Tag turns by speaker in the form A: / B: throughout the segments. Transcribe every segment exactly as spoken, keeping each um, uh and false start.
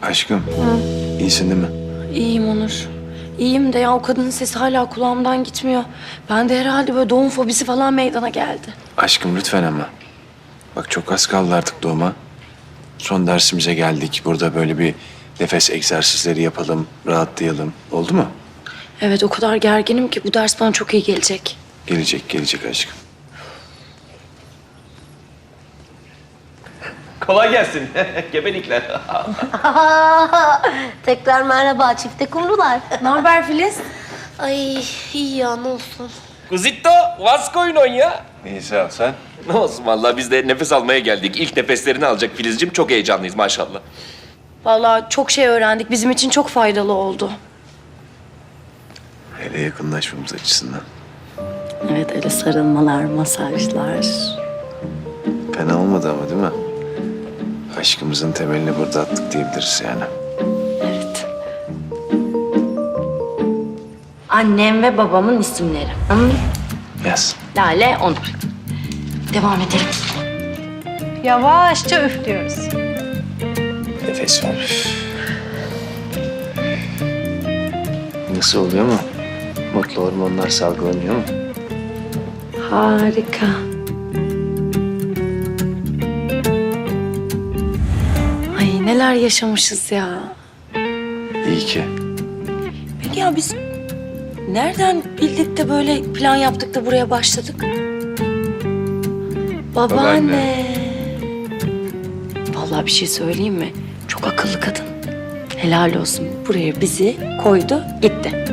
A: Aşkım, iyisin değil mi?
B: İyiyim Onur. İyiyim de ya o kadının sesi hala kulağımdan gitmiyor. Ben de herhalde böyle doğum fobisi falan meydana geldi.
A: Aşkım lütfen ama. Bak çok az kaldı artık doğuma. Son dersimize geldik. Burada böyle bir nefes egzersizleri yapalım, rahatlayalım. Oldu mu?
B: Evet o kadar gerginim ki bu ders bana çok iyi gelecek.
A: Gelecek, gelecek aşkım.
C: Kolay gelsin. Gebelikler.
D: Tekrar merhaba çifte kumrular.
B: Ne haber Filiz?
D: Ay iyi ya ne olsun.
C: Kuzitto, what's going on ya?
A: İyi sağ ol sen.
C: Ne olsun vallahi biz de nefes almaya geldik. İlk nefeslerini alacak Filizciğim. Çok heyecanlıyız maşallah.
B: Vallahi çok şey öğrendik. Bizim için çok faydalı oldu.
A: Hele yakınlaşmamız açısından.
B: Evet öyle sarılmalar, masajlar.
A: Fena olmadı ama değil mi? Aşkımızın temelini burada attık diyebiliriz yani.
B: Evet. Annem ve babamın isimleri. Hı?
A: Yaz.
B: Lale, Onur. Devam edelim.
E: Yavaşça üflüyoruz.
A: Nefes ver. Nasıl oluyor mu? Mutlu hormonlar salgılanıyor mu?
B: Harika. Ay neler yaşamışız ya.
A: İyi ki.
B: Peki ya biz nereden bildik de böyle plan yaptık da buraya başladık? Babaanne.
A: Babaanne.
B: Vallahi bir şey söyleyeyim mi? Çok akıllı kadın. Helal olsun. Buraya bizi koydu, gitti.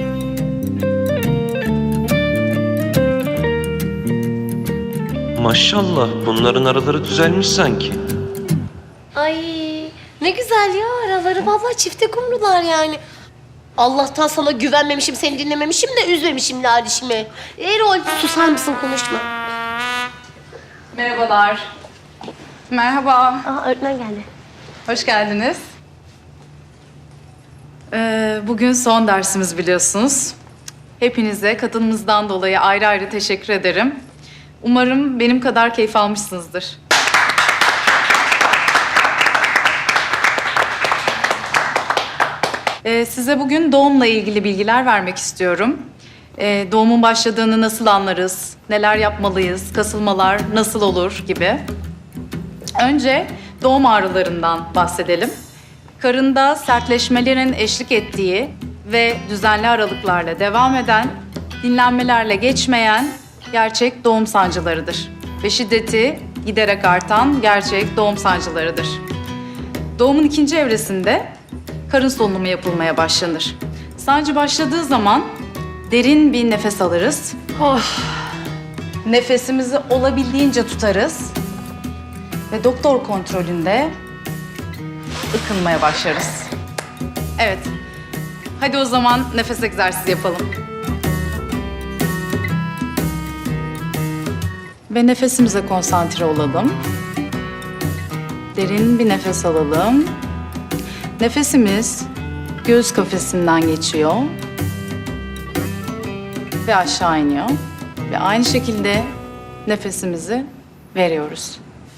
F: Maşallah bunların araları düzelmiş sanki.
D: Ay ne güzel ya araları vallahi çifte kumrular yani. Allah'tan sana güvenmemişim, seni dinlememişim de üzmemişim Lalişimi. Erol susar mısın konuşma.
E: Merhabalar. Merhaba.
D: Aa öğretmen geldi.
E: Hoş geldiniz. Ee, bugün son dersimiz biliyorsunuz. Hepinize katılımınızdan dolayı ayrı ayrı teşekkür ederim. Umarım benim kadar keyif almışsınızdır. Ee, size bugün doğumla ilgili bilgiler vermek istiyorum. Ee, doğumun başladığını nasıl anlarız, neler yapmalıyız, kasılmalar nasıl olur gibi. Önce doğum ağrılarından bahsedelim. Karında sertleşmelerin eşlik ettiği ve düzenli aralıklarla devam eden, dinlenmelerle geçmeyen gerçek doğum sancılarıdır. Ve şiddeti giderek artan gerçek doğum sancılarıdır. Doğumun ikinci evresinde karın solunumu yapılmaya başlanır. Sancı başladığı zaman derin bir nefes alırız. Oh. Nefesimizi olabildiğince tutarız. Ve doktor kontrolünde ıkınmaya başlarız. Evet. Hadi o zaman nefes egzersizi yapalım. Ve nefesimize konsantre olalım. Derin bir nefes alalım. Nefesimiz göğüs kafesinden geçiyor. Ve aşağı iniyor. Ve aynı şekilde nefesimizi veriyoruz.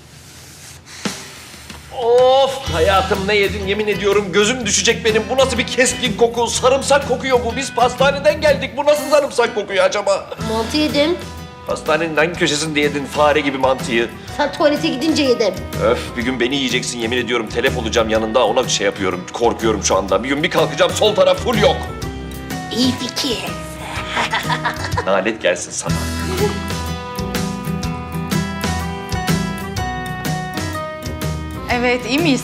C: Of hayatım ne yedin yemin ediyorum gözüm düşecek benim. Bu nasıl bir keskin koku? Sarımsak kokuyor bu. Biz pastaneden geldik. Bu nasıl sarımsak kokuyor acaba?
D: Mantı yedim.
C: Pastanenin hangi köşesinde yedin fare gibi mantıyı?
D: Sen tuvalete gidince yedim.
C: Öf bir gün beni yiyeceksin yemin ediyorum. Telef olacağım yanında ona şey yapıyorum. Korkuyorum şu anda. Bir gün bir kalkacağım sol taraf full yok.
D: İyi fikir.
C: Nalet gelsin sana.
E: Evet, iyi miyiz?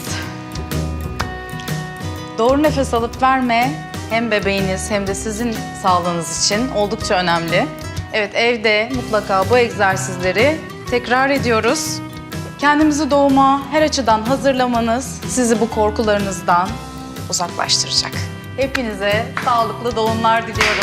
E: Doğru nefes alıp verme hem bebeğiniz hem de sizin sağlığınız için oldukça önemli. Evet, evde mutlaka bu egzersizleri tekrar ediyoruz. Kendimizi doğuma her açıdan hazırlamanız sizi bu korkularınızdan uzaklaştıracak. Hepinize sağlıklı doğumlar diliyorum.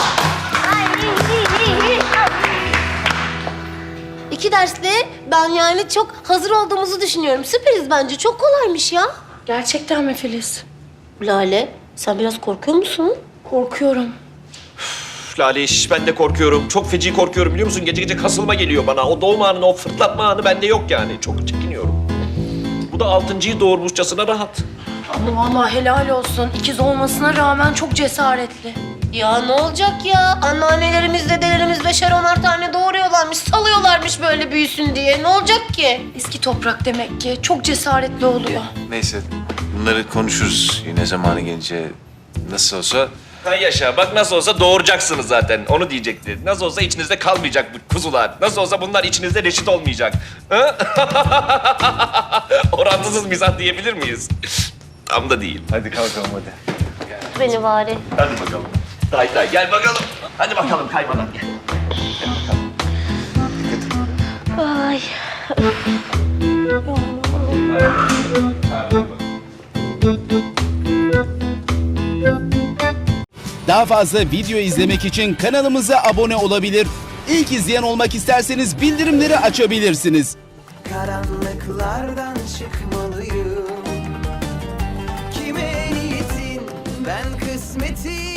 D: İki dersle ben yani çok hazır olduğumuzu düşünüyorum. Süperiz bence. Çok kolaymış ya.
B: Gerçekten mi Filiz?
D: Lale, sen biraz korkuyor musun?
B: Korkuyorum.
C: Üf, Lale iş ben de korkuyorum. Çok feci korkuyorum biliyor musun? Gece gece kasılma geliyor bana. O doğum anı, o fırlatma anı bende yok yani. Çok çekiniyorum. Bu da altıncıyı doğurmuşçasına rahat.
B: Ama vallahi helal olsun. İkiz olmasına rağmen çok cesaretli.
D: Ya ne olacak ya? Anneannelerimiz, dedelerimiz beşer onar tane doğuruyorlarmış, salıyorlarmış böyle büyüsün diye. Ne olacak ki?
B: Eski toprak demek ki. Çok cesaretli oluyor.
A: Neyse bunları konuşuruz yine zamanı gelince. Nasıl olsa
C: Ha yaşa bak nasıl olsa doğuracaksınız zaten. Onu diyecekti. Nasıl olsa içinizde kalmayacak bu kuzular. Nasıl olsa bunlar içinizde reşit olmayacak. Ha? Orantısız mizah diyebilir miyiz? Tam da değil.
A: hadi kalkalım hadi.
D: Beni bari.
C: Hadi bakalım. Tay tay gel bakalım. Hadi bakalım kaymadan gel.
D: Ay.
G: Daha fazla video izlemek için kanalımıza abone olabilir. İlk izleyen olmak isterseniz bildirimleri açabilirsiniz.
H: Karanlıklardan çıkmalıyım. Kime niyetin ben kısmetin